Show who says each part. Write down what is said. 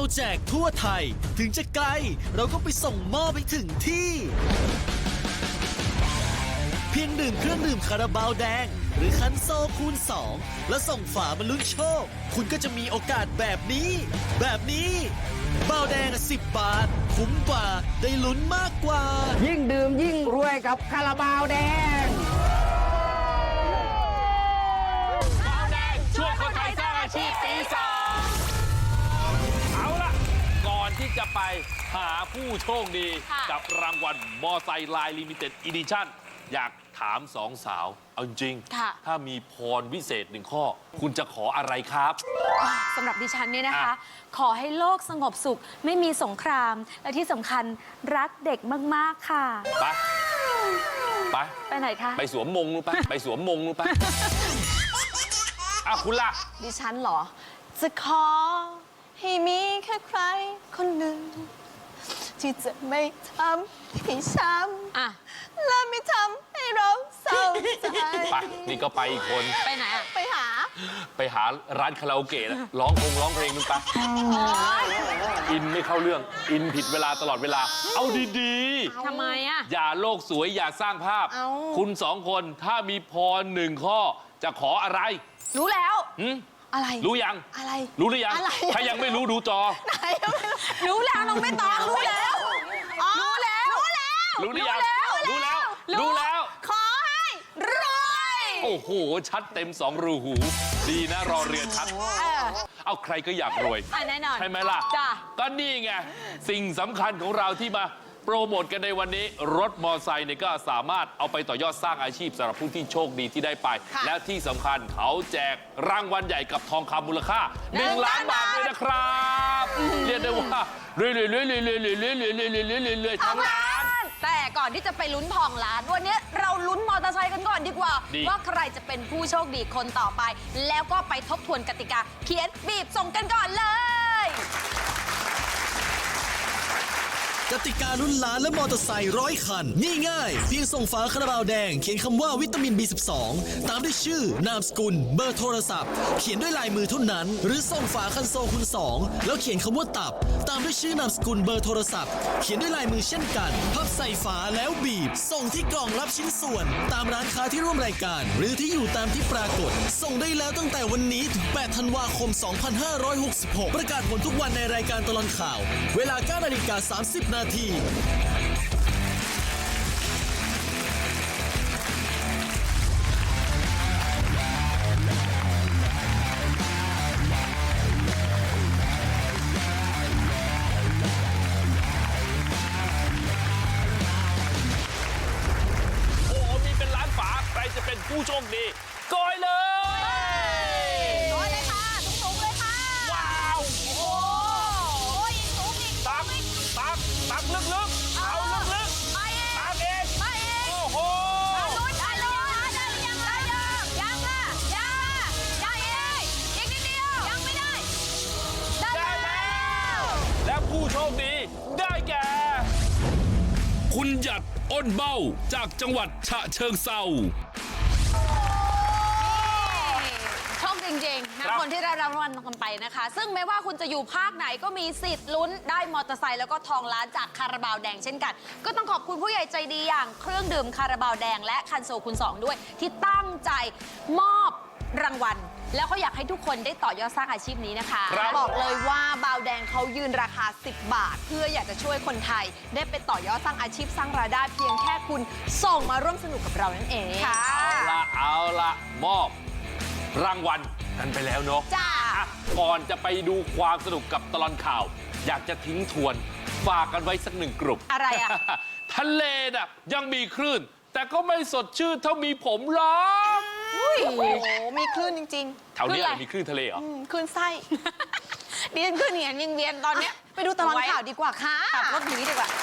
Speaker 1: แจกทั่วไทยถึงจะไกลเราก็ไปส่งมอบไปถึงที่ เพียงดื่มเครื่องดื่มคาราบาวแดงหรือคันโซคูณ 2 แล้วส่งฝามาลุ้นโชค คุณก็จะมีโอกาสแบบนี้บาวแดง10 บาทคุ้มกว่าได้ลุ้นมากกว่า
Speaker 2: ยิ่งดื่มยิ่งรวยกับคาราบาวแดง
Speaker 3: ช่วยคนไทยสร้างอาชีพปีสองเอาล่ะ ก่อนที่จะไปหาผู้โชคดีกับรางวัลมอไซค์ไลน์ลิมิเต็ดอีดิชั่นอยากถามสองสาว เอาจริง ถ้ามีพรวิเศษ1 ข้อ คุณจะขออะไรครับ
Speaker 4: สำหรับดิฉันเนี่ยนะคะ ขอให้โลกสงบสุขไม่มีสงคราม และที่สำคัญรักเด็กมากๆค่ะ ไปไหนคะ
Speaker 3: ไปสวมมงรู้ปะไปสวมมงรู้ปะคุณล่ะ
Speaker 5: ดิฉันเหรอ จะขอให้มีแค่ใครคนหนึ่ง ที่จะไม่ทำให้ช้ำและไม่ทำให้เราเศร้าใจ
Speaker 3: ไป นี่ก็ไปอีกคน
Speaker 4: ไปไหนอะ
Speaker 5: ไปหา
Speaker 3: ร้านคาราโอเกะนะร้องเพลงนึงปะอินไม่เข้าเรื่อง อินผิดเวลาตลอดเวลา เอาดี
Speaker 4: ทำไมอะ
Speaker 3: ๆ อย่าโลกสวยอย่าสร้างภาพ คุณ2 คนถ้ามีพร1 ข้อจะขออะไร
Speaker 4: รู้แล้ว
Speaker 5: อะไร
Speaker 3: รู้ยัง
Speaker 5: อะไร
Speaker 3: รู้หรือยัง
Speaker 5: อะไร
Speaker 3: ถ้ายังไม่รู้ดูจอ
Speaker 5: ไหน
Speaker 4: รู้แล้วน้องไม่ตองรู้แล้ว รู้แล้ว
Speaker 3: รู้หรือยัง รู้แล้ว รู้แล้ว
Speaker 5: ขอให้รวย
Speaker 3: โอ้โห ชัดเต็ม2 รูหู ดีนะรอเรือชัด เอาใครก็อยากรวย
Speaker 4: แน่นอน
Speaker 3: ใช่ไหมล่ะ
Speaker 4: จ้ะ
Speaker 3: ก็นี่ไง สิ่งสำคัญของเราที่มาโปรโมทกันในวันนี้ รถมอไซค์เนี่ยก็สามารถเอาไปต่อยอดสร้างอาชีพสำหรับผู้ที่โชคดีที่ได้ไป แล้วที่สำคัญเขาแจกรางวัลใหญ่กับทองคำมูลค่า 1 ล้านบาทด้วยนะครับ เรียกได้ว่าเรื่อยๆทั้งล้าน
Speaker 4: แต่ก่อนที่จะไปลุ้นทองล้านวันนี้เราลุ้นมอเตอร์ไซค์กันก่อนดีกว่า ว่าใครจะเป็นผู้โชคดีคนต่อไป แล้วก็ไปทบทวนกติกา เขียนบีบส่งกันก่อนเลย
Speaker 1: กติกาลุ้นล้านและมอเตอร์ไซค์100 คันง่ายๆเพียงส่งฝาคาราบาวแดงเขียนคำว่าวิตามิน B12 ตามด้วยชื่อนามสกุลเบอร์โทรศัพท์เขียนด้วยลายมือเท่านั้นหรือส่งฝาคันโซคูณ 2แล้วเขียนคำว่าตับตามด้วยชื่อนามสกุลเบอร์โทรศัพท์เขียนด้วยลายมือเช่นกันพับใส่ฝาแล้วบีบส่งที่กล่องรับชิ้นส่วนตามร้านค้าที่ร่วมรายการหรือที่อยู่ตามที่ปรากฏส่งได้แล้วตั้งแต่วันนี้ถึง8 ธันวาคม 2566 ประกาศผลทุกวันในรายการตลอดข่าวเวลา 9:30 นาที
Speaker 3: โอ้โหมีเป็นล้านฝาใครจะเป็นผู้โชคดีกอยเลย
Speaker 5: โอ้ยเลยค่ะสูงๆเลยค่ะ
Speaker 3: ว้าว
Speaker 5: โอ้ยสูงอีก
Speaker 3: ตักลึกๆ เอาลึก
Speaker 5: ไปเอง
Speaker 3: ๆตักเอง
Speaker 5: ไปเอง
Speaker 3: โอ้โห
Speaker 5: ลุ้นได้เลยได้หรือยังได้ยังค่ะยังเองอีกนิดเดียวยังไม่ได้
Speaker 3: ได้แล้ว และผู้โชคดีได้แก่ คุณหยัดอ้นเบ้าจากจังหวัดฉะเชิงเทรา
Speaker 4: โชคจริงๆนะคนที่ได้รางวัลกันไปนะคะ ซึ่งไม่ว่าคุณจะอยู่ภาคไหนก็มีสิทธิ์ลุ้นได้มอเตอร์ไซค์แล้วก็ทองล้านจากคาราบาวแดงเช่นกัน ก็ต้องขอบคุณผู้ใหญ่ใจดีอย่างเครื่องดื่มคาราบาวแดงและคันโซคูณ 2 ด้วย ที่ตั้งใจมอบรางวัล แล้วก็อยากให้ทุกคนได้ต่อยอดสร้างอาชีพนี้นะคะ
Speaker 5: บอกเลยว่าบาวแดงเขายืนราคา 10 บาท เพื่ออยากจะช่วยคนไทย ได้ไปต่อยอดสร้างอาชีพสร้างรายได้เพียงแค่คุณส่งมาร่วมสนุกกับเรานั่นเองค่ะ
Speaker 3: เอาละมอบรางวัลกันไปแล้วเนาะ
Speaker 5: จ้า
Speaker 3: ก่อนจะไปดูความสนุกกับตลอดข่าว อยากจะทิ้งทวนฝากกันไว้สัก1 กลุ่ม
Speaker 4: อะไรอะ
Speaker 3: ทะเลน่ะยังมีคลื่น แต่ก็ไม่สดชื่นเท่ามีผมหรอก
Speaker 5: โอ้โห มีคลื่นจริง
Speaker 3: แถวนี้อะไรมีคลื่นทะเลเหรอ
Speaker 5: คลื่นไส้
Speaker 4: ดิฉันขึ้นเหียนยังเวียนตอนเนี้ย
Speaker 5: ไปดูตลอดข่าวดีกว่าค่ะ
Speaker 4: ขับรถหนีดีกว่า